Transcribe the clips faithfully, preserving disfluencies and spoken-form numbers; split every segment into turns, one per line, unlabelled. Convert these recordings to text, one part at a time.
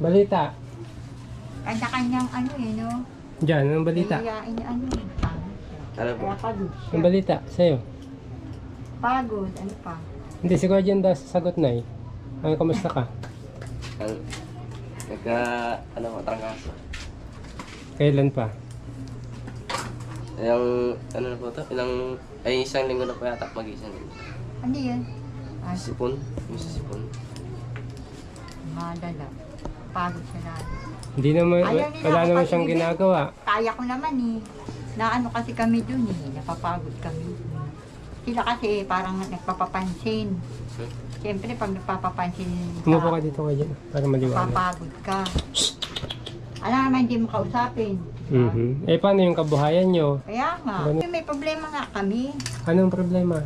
Balita.
Kanya-kanyang ano eh, no?
Diyan, anong balita?
Iyayain niya ano eh.
Ano po?
Kaya pagod siya.
Anong balita sa'yo?
Pagod, ano pa?
Hindi, si Kuya Jan daw sasagot na eh. Ay, kamusta ka?
Ano? Nagka, ano, matrangkaso.
Kailan pa?
Ilang, ano na po ito? Ilang, ay isang linggo na po yata, mag-isang linggo.
Ano yun? Ah,
Sipon? Yung sa sipon.
madala. Pagod siya na.
Hindi naman,
Ayaw nila
wala
ako
naman
kasi
siyang
hindi.
ginagawa.
Kaya ko naman eh. Naano kasi kami dun eh. Napapagod kami. Sila kasi parang nagpapapansin.
Hmm?
Siyempre pag nagpapapansin
Umupo ka dito Kuya Jan, para maliwanag.
papagod ka. Alam naman hindi mo kausapin.
Mhm. Eh, paano yung kabuhayan nyo?
Kaya nga.
Ganun.
May problema nga kami.
Anong problema?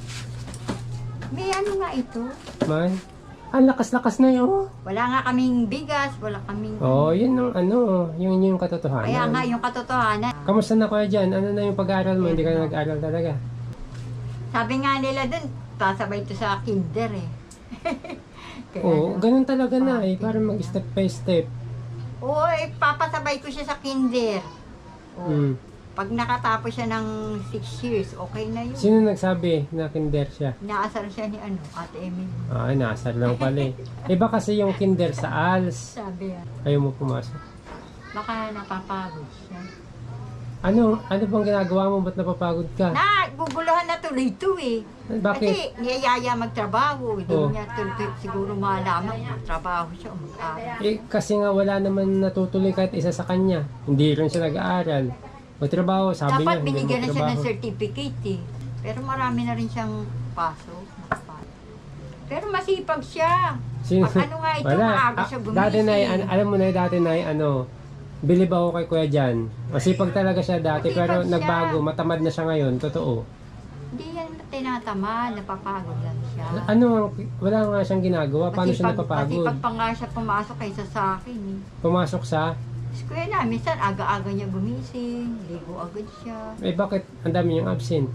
May ano nga ito.
Man? Ang lakas-lakas na yun.
Wala nga kaming bigas. Wala kaming...
Oo, oh, yun ang ano, yun yung katotohanan.
Kaya nga yung katotohanan.
Kamusta na Kuya Jan? Ano na yung pag-aaral mo? Hindi ka na nag-aaral talaga.
Sabi nga nila dun, pasabay ito sa kinder eh. Kaya
Oo,
ano,
ganun talaga na eh. Para mag-step by step.
Oo, eh, papasabay ko siya sa kinder. Oo.
Mm.
Pag nakatapos siya ng six years, okay na yun.
Sino nagsabi na kinder siya?
Inaasar siya ni ano, Ate Emily.
Ay, nasar lang pala eh. Iba kasi yung kinder sa A L S.
Sabi yan,
Ayaw mo pumasok.
baka napapagod siya.
Ano? Ano bang ginagawa mo? Ba't napapagod ka?
Na, guguluhan na tuloy ito eh.
Bakit?
Kasi niyayaya magtrabaho. Hindi
Oh.
niya tuloy, siguro malaman kung magtrabaho siya o mag-aaral.
Eh, kasi nga wala naman natutuloy kahit isa sa kanya. Hindi rin siya nag-aaral. Magtrabaho, sabi
Dapat
niya, hindi
binigyan na siya ng
magtrabaho.
certificate eh. Pero marami na rin siyang paso. nakapasok. Pero masipag siya.
Sino?
Pag ano nga ito,
Wala.
maaga
Ah,
siya
dati na,
gumising.
an- alam mo na, dati na, ano, bilib ako kay Kuya Jan. Masipag talaga siya dati,
Masipag
pero
siya.
nagbago, matamad na siya ngayon, totoo.
Hindi yan tinatamad, napapagod lang siya.
Ano, wala nga siyang ginagawa, paano siya
Masipag-
napapagod?
Masipag pa nga siya pumasok kaysa sa akin eh.
Pumasok sa,
Eskwela, minsan aga-aga niya gumising, ligo agad siya.
eh bakit ang dami niyang absent?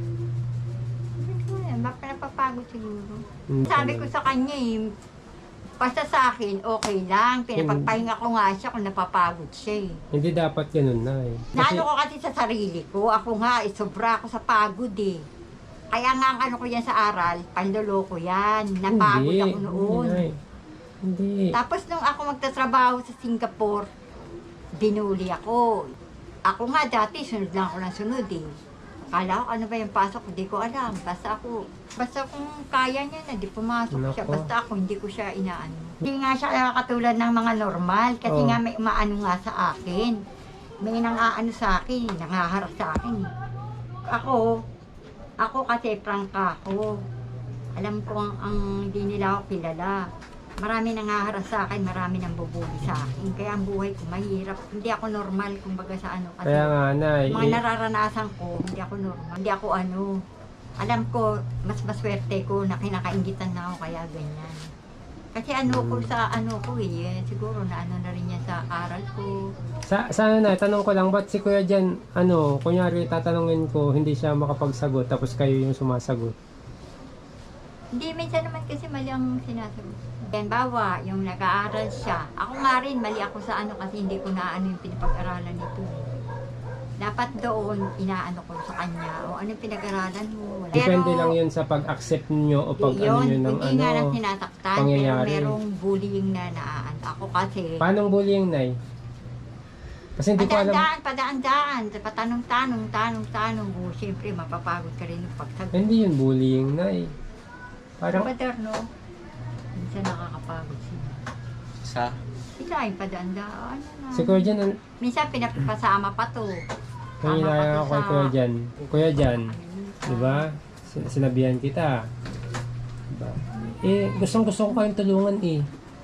Hindi ko yan, baka napapagod siguro.
Hmm,
Sabi
ano?
ko sa kanya eh, basta sa akin, okay lang. Pinapagpahinga ko nga siya kung napapagod siya eh.
Hindi dapat ganun na eh. Kasi,
Naano ko kasi sa sarili ko, ako nga, eh, sobra ako sa pagod eh. Kaya nga ang ano ko yan sa aral, panloloko yan. Napagod
hindi,
ako noon.
Hindi, Nay. hindi.
Tapos nung ako magtatrabaho sa Singapore, binuli ako. Ako nga dati, sunod lang ako ng sunod eh. Akala ko ano ba yung pasok, hindi ko alam. Basta ako, basta kung kaya niya na, di pumasok siya.
Nako.
Basta ako, hindi ko siya inaano. Hindi nga siya katulad ng mga normal, kasi
Oh.
nga may umaano nga sa akin. May nang-aano sa akin, nangaharap sa akin. Ako, ako kasi prangka ako. Alam ko ang, ang hindi nila ako kilala. Marami nangaharap sa akin, marami nang bubuli sa akin. Kaya ang buhay ko mahirap. Hindi ako normal, kumbaga sa ano. Kasi
Kaya nga, Nay.
mga
eh,
nararanasan ko, hindi ako normal. Hindi ako ano. Alam ko, mas maswerte ko na kinakaingitan na ako kaya ganyan. Kasi ano ko
Hmm.
sa ano ko eh, siguro na ano na rin yan sa aral ko.
Sa, sana na, tanong ko lang, ba't si Kuya Jan, ano, kunyari tatanungin ko, hindi siya makapagsagot, tapos kayo yung sumasagot.
Hindi, minsan naman kasi mali ang sinasagot. Yan, bawa, yung nag-aaral siya. Ako nga rin, mali ako sa ano kasi hindi ko na ano yung pinapag-aralan nito. Dapat doon, inaano ko sa kanya, o ano yung pinag-aralan mo.
Depende lang yun sa pag-accept niyo o pag ano
yun,
nyo ng
hindi nga lang
ano.
sinasaktan, pero
pangyayari.
merong bullying na naan. Ako kasi,
Paano bullying, Nay? Kasi hindi ko alam.
padaan-daan, padaan-daan, patanong-tanong, tanong-tanong. O, siyempre, mapapagod ka rin yung pagsagot.
Hindi yun bullying, Nay. Parang,
Padar, no? Minsan nakakapagod sila.
Sa,
Sila yung padaan-daan. Ano
si Kuya Jan, an-
Minsan pinapasama pa to.
kanina
Tama pa
ako
to
kay
sa-
Kuya Jan. Kuya Jan,
Ayun,
di ba? Sin- Sinabihan kita. Diba? Eh, gustong gusto ko kayong tulungan eh.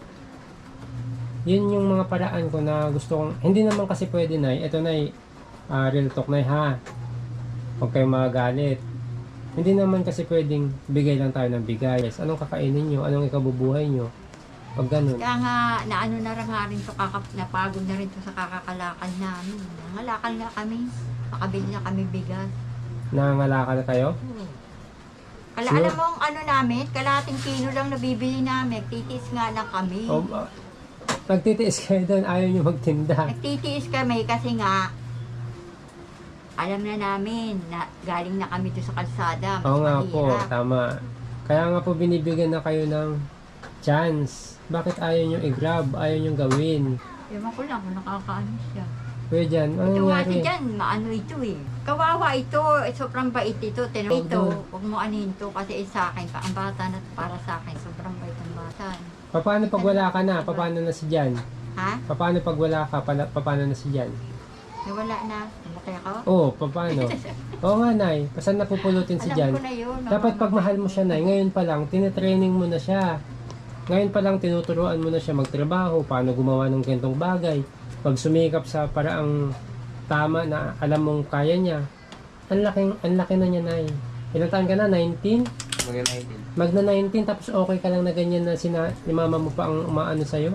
Yun yung mga paraan ko na gusto kong, hindi naman kasi pwede na ito na uh, real talk na ha. Huwag kayong magagalit. Hindi naman kasi pwedeng bigay lang tayo ng bigay. Yes, anong kakainin nyo? Anong ikabubuhay nyo? Pag ganun.
Kaya nga, naano na rin nga rin to, kakap, napagod na rin to sa kakakalakal namin. Nangalakal nga kami. Makabili na kami bigas.
Nangangalakal na kayo?
Oo. Kala,
Sure.
alam mo ang ano namin, kalating kilo lang nabibili namin. Titis nga lang kami.
O, ah, Nagtitiis kayo doon, ayaw nyo magtinda.
Nagtitiis kami kasi nga, alam na namin na galing na kami doon sa kalsada. Mas
Oo nga po,
mahirap.
tama. Kaya nga po binibigyan na kayo ng chance. Bakit ayaw nyo i-grab? Ayaw nyo gawin?
Ewan ko lang kung nakakaano siya.
Kuya Jan, ano
Ito kasi
nangyari?
dyan, maano ito eh. Kawawa ito, eh, sobrang bait ito. Tino,
Oo,
ito,
doon.
huwag mo anin to kasi eh, sa akin, pa, ang bata na para sa akin, sobrang bait ang bata.
Paano pag wala ka na? Paano na si Jan?
Ha?
Paano pag wala ka? Pala, paano na si Jan?
Nawala na. Namatay ako?
Oo, paano? Oo nga, Nay. Saan napupulutin si
Alam
Jan?
ko na yun.
Dapat pag mahal mo siya, Nay, ngayon pa lang, tinitraining mo na siya. Ngayon pa lang, tinuturuan mo na siya magtrabaho, paano gumawa ng gantong bagay. Pag sumikap sa paraang tama na alam mong kaya niya, ang laking, ang laki na niya, Nay. Ilang taon ka na? nineteen?
Maganda nineteen.
Magna nineteen, tapos okay ka lang na ganyan na sina, ni mama mo pa ang umaano sa'yo?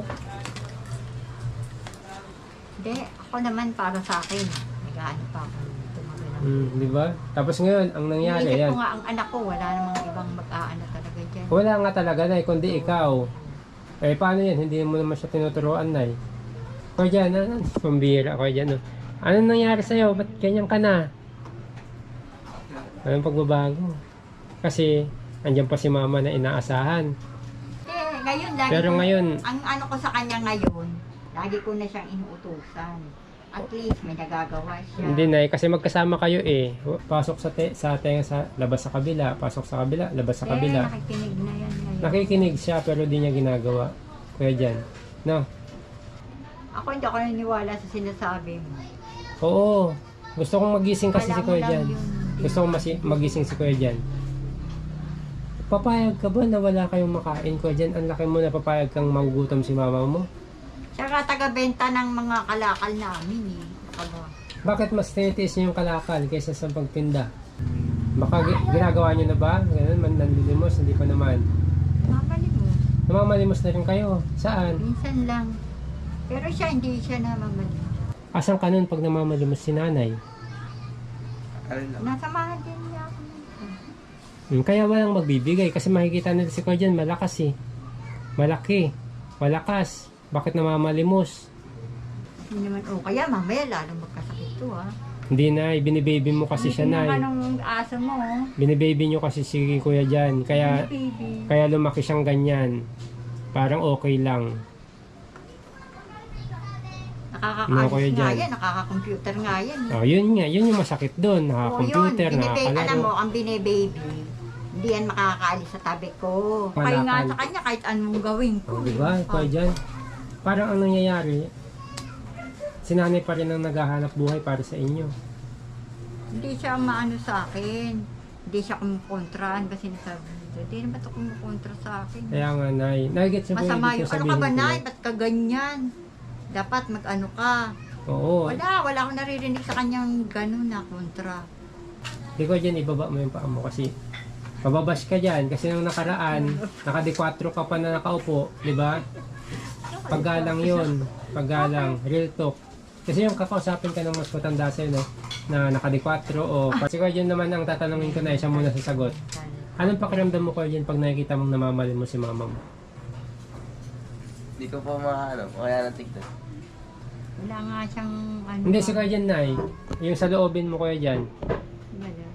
Hindi, ako naman para sa akin. Nag-ano pa ako. Tumagal lang.
Hmm, di ba? Tapos ngayon, ang nangyari,
Iniisip
yan.
ko nga ang anak ko, wala namang ibang mag-aano talaga dyan.
Wala nga talaga, Nay, kundi ikaw. Eh, paano yan? Hindi mo naman siya tinuturuan, Nay. Kuya Jan, ano? Pambira, Kuya Jan. Oh. Anong nangyari sa'yo? Ba't ganyan ka na? Anong pagbabago? Kasi, andyan pa si mama na inaasahan.
Eh, ngayon, lagi
Pero
ko,
ngayon,
ang ano ko sa kanya ngayon, lagi ko na siyang inuutusan. At least, may nagagawa siya.
hindi, Nay, kasi magkasama kayo eh. Pasok sa te sa tenga sa labas sa kabila, pasok sa kabila, labas sa
Eh,
kabila.
nakikinig na yan ngayon.
Nakikinig siya pero di niya ginagawa. Kuya Jan. No?
Ako hindi ako naniniwala sa sinasabi mo.
Oo. Gusto kong magising kasi
Kala
si
mo
Kuya
lang
Jan.
yun.
Gusto kong masi- magising si Kuya Jan. Papayag ka ba na wala kayong makain, Kuya Jan? Ang laki mo na papayag kang magugutom si mama mo.
Tsaka taga-benta ng mga kalakal namin eh. Ano,
Bakit mas tinitiis niyo yung kalakal kaysa sa pagtinda? Baka gi- ginagawa niyo na ba? Ganun, man nanlilimos, hindi pa naman.
mamali mo.
Namamalimos na rin kayo. Saan?
Minsan lang. Pero siya, hindi siya namamali.
Asan ka nun pag namamalimos si nanay?
Ano lang.
Nasamahan din niya ako. minsan.
Hmm, kaya walang magbibigay kasi makikita nila si Kuya Jan, malakas eh. Malaki. Malakas. Bakit namamalimos?
Hindi naman, oh, kaya mamaya lalong magkasakit to ha.
Hindi, Nay. Binibaby mo kasi siya, Nay.
Anong aso mo? oh.
Binibaby nyo kasi si Kuya Jan. Kaya,
Baby.
kaya lumaki siyang ganyan. Parang okay lang. No, Kuya
Nakaka-alis nga
Jan.
yan, nakaka-computer nga yan. eh.
Oh, yun nga. Yun yung masakit doon.
Oo,
Naka-computer,
yun. Binibaby, alam mo,
nakakalaro.
ang binibaby, hindi yan makakaalis sa tabi ko. Kaya nga
Malakal.
sa kanya, kahit anong gawin ko.
Oh, di ba,
eh.
Kuya Jan? Parang ang nangyayari, si nanay pa rin ang naghahanap buhay para sa inyo.
Hindi siya maano sa akin. Hindi siya kumukontrahan kasi nasabi nito. Hindi naman ito kumukontra sa akin.
Kaya nga, Nay. Nagigets niyo po
Masama
yung
yung, ano ka ba,
ko.
Nay? Ba't ka ganyan? Dapat mag-ano ka.
Oo.
Wala, wala akong naririnig sa kanyang gano'n na kontra.
Di ko dyan, ibaba mo yung paa mo kasi mababash ka dyan. Kasi nung nakaraan, naka-dequatro ka pa na nakaupo, di ba? Paggalang yun. Paggalang. Real talk. Kasi yung kakausapin ka ng mas matanda sa'yo, no? Na naka-dequatro o... Kasi ko dyan naman ang tatanungin ko na isa muna sa sagot. Anong pakiramdam mo ko dyan pag nakikita mong namamalin mo si mama mo?
Hindi ko pa mahanap. Kaya ng TikTok.
Wala nga siyang ano.
Hindi, si Kuya Jan, Nay. Yung sa loobin mo, Kuya Jan.
Wala.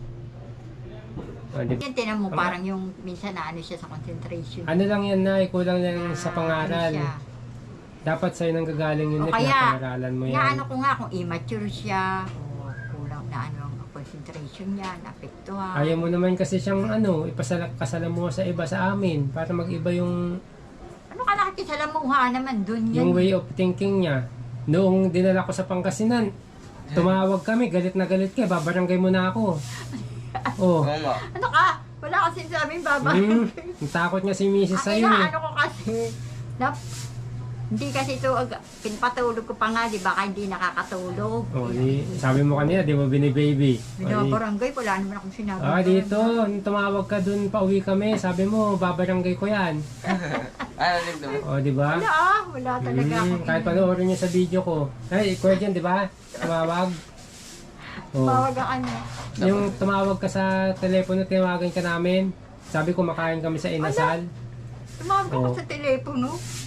Ah, di-
Yan, tinan mo, parang yung minsan na ano siya sa concentration.
Ano lang yan, Nay? Kulang lang sa
Na
pangaral.
ano siya.
Dapat sa'yo nang gagaling yun,
O
Nick,
kaya,
na pangaralan mo yan.
na ano ko nga kung immature siya, o kulang na ano ang concentration niya, naapektuhan.
Ayaw mo naman kasi siyang ano, ipasalak kasala mo sa iba sa amin para mag-iba yung
Ano ka nakikisalamuha naman dun yan?
yung way of thinking niya. Noong dinala ko sa Pangasinan, tumawag kami, galit na galit ka, babarangay mo na ako. Oh.
Oo nga.
Ano ka? Wala kasi sabing baba.
Hmm, takot nga si Missus
Ang
sa'yo eh.
inaano ko kasi, na, hindi kasi ito, ag- pinapatulog ko pa nga, di ba, kaya hindi nakakatulog.
Oh, di, sabi mo kanina, di mo binibaby. Oh, di,
Binabarangay, wala naman akong sinabi.
ah, dito, nung tumawag ka dun, pauwi kami, sabi mo, babarangay ko yan.
Ano din naman?
Oh, di ba?
Wala ah, wala talaga ako.
Hmm, kahit panoorin niyo sa video ko. Ay, Kuya Jan, di ba? Tumawag. Oh.
Tawag ang ano.
Yung tumawag ka sa telepono, tinawagan ka namin. Sabi ko, makain kami sa inasal.
Tumawag ako
Oh.
sa telepono.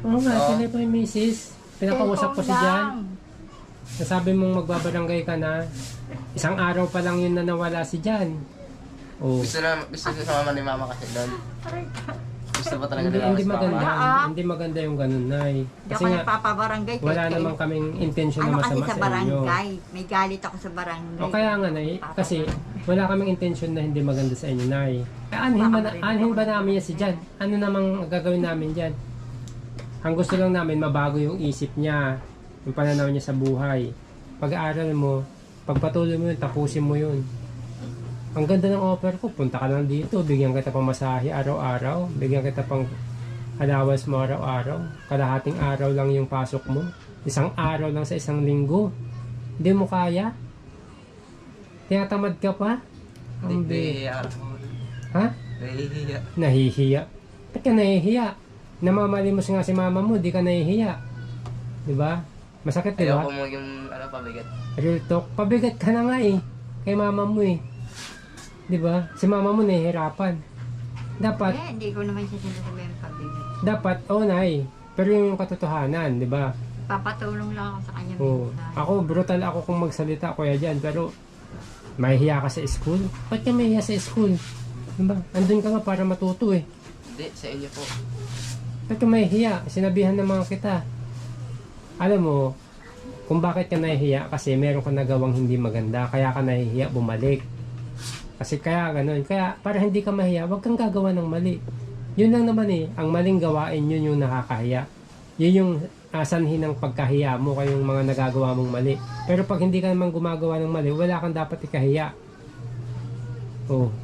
Oo nga,
Oo.
sila po yung misis. Pinakausap ko si
Cellphone
Jan.
lang.
Nasabi mong magbabarangay ka na. Isang araw pa lang yun na nawala si Jan. Oh.
Gusto na, gusto na sa mama ni mama kasi doon.
Aray ka.
Gusto pa talaga
Hindi,
nila
hindi
mas
maganda.
mama.
Ah.
Hindi maganda yung ganun, Nay.
Hindi
Kasi
ako
nga,
nagpapabarangay.
wala
kay-
namang kaming intention na
Ano kasi
masama
sa
sa inyo.
barangay? May galit ako sa barangay.
O kaya nga, Nay, kasi wala kaming intention na hindi maganda sa inyo, Nay. Eh, Anhin ba, na- anhin ba namin yan si Jan? Ano namang gagawin namin dyan? Ang gusto lang namin, mabago yung isip niya, yung pananaw niya sa buhay. Pag-aaral mo, pagpatuloy mo yun, tapusin mo yun. Ang ganda ng offer ko, punta ka lang dito, bigyan kita pang masahe araw-araw, bigyan kita pang allowance mo araw-araw, kalahating araw lang yung pasok mo, isang araw lang sa isang linggo. Hindi mo kaya? Tinatamad ka pa? Ang
Hindi,
bi-
nahihiya.
Ha?
Nahihiya.
Nahihiya. Ba't ka nahihiya? Namamalimos nga si mama mo, di ka nahihiya. Di ba? Masakit, di ba?
Ayoko mo yung ano, pabigat.
Real talk. Pabigat ka na nga eh. Kay mama mo eh. Di ba? Si mama mo nahihirapan. Dapat,
Eh, hindi ko naman siya sinasabi yung pabigat.
dapat, oh nay. Pero yung katotohanan, di ba?
Papatulong lang ako sa kanya
Oh,
minsan.
ako, brutal ako kung magsalita, kuya dyan. Pero, mahihiya ka sa school? Ba't ka mahihiya sa school? Di ba? Andun ka nga para matuto eh.
Hindi, sa inyo po.
Ba't ka mahihiya? Sinabihan ng mga kita. Alam mo, kung bakit ka nahihiya, kasi meron ka nagawang hindi maganda, kaya ka nahihiya bumalik. Kasi kaya ganun. Kaya para hindi ka mahiya, wag kang gagawa ng mali. Yun lang naman eh, ang maling gawain yun yung nakakahiya. Yun yung uh, sanhi ng pagkahiya mo kayong mga nagagawa mong mali. Pero pag hindi ka naman gumagawa ng mali, wala kang dapat ikahiya. Oh.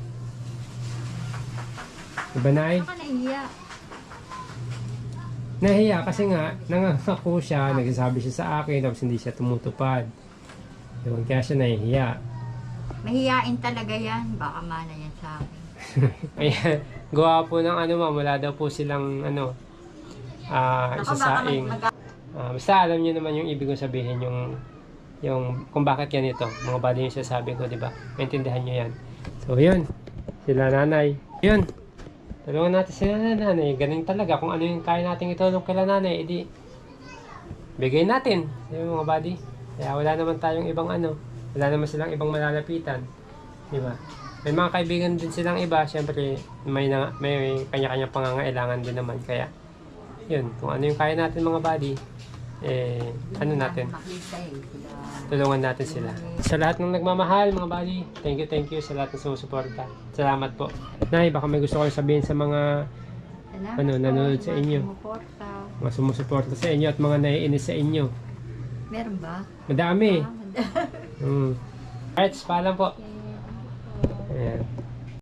Diba, Nay?
Baka naiiya.
Nahiya kasi nga, nangangako siya, nagsasabi siya sa akin, tapos hindi siya tumutupad. Yun, kaya siya nahihiya.
Mahihain talaga yan. Baka mana yan sa akin.
Ayan, gawa po ng ano ma'am, wala daw po silang ano, ah
Ako baka
isasaing.
mag- mag-
Ah, basta alam niyo naman yung ibig kong sabihin, yung, yung kung bakit ganito, mga bali yung sasabi ko, di ba? Maintindihan niyo yan. So, yun, sila nanay. Yun, tulungan natin sila nanay. Ganun talaga, kung ano yung kaya natin itulong kila nanay, edi, bigay natin, yung mga body. Kaya wala naman tayong ibang ano, wala naman silang ibang malalapitan. Di ba? May mga kaibigan din silang iba, syempre may, na, may kanya-kanya pangangailangan din naman. Kaya, yun, kung ano yung kaya natin mga body, eh, ano natin,
Makita eh. Sila.
tulungan natin sila. Sa lahat ng nagmamahal, mga body, thank you, thank you sa lahat ng sumusuporta. Salamat po. Nay, baka may gusto ko sabihin sa mga
Salamat
Ano,
po,
nanonood sa
mga
inyo.
sumuporta.
mga sumusuporta sa inyo at mga naiinis sa inyo.
Meron ba?
Madami.
Ah,
Mm. Alright, paalam po.
okay.
Ayan.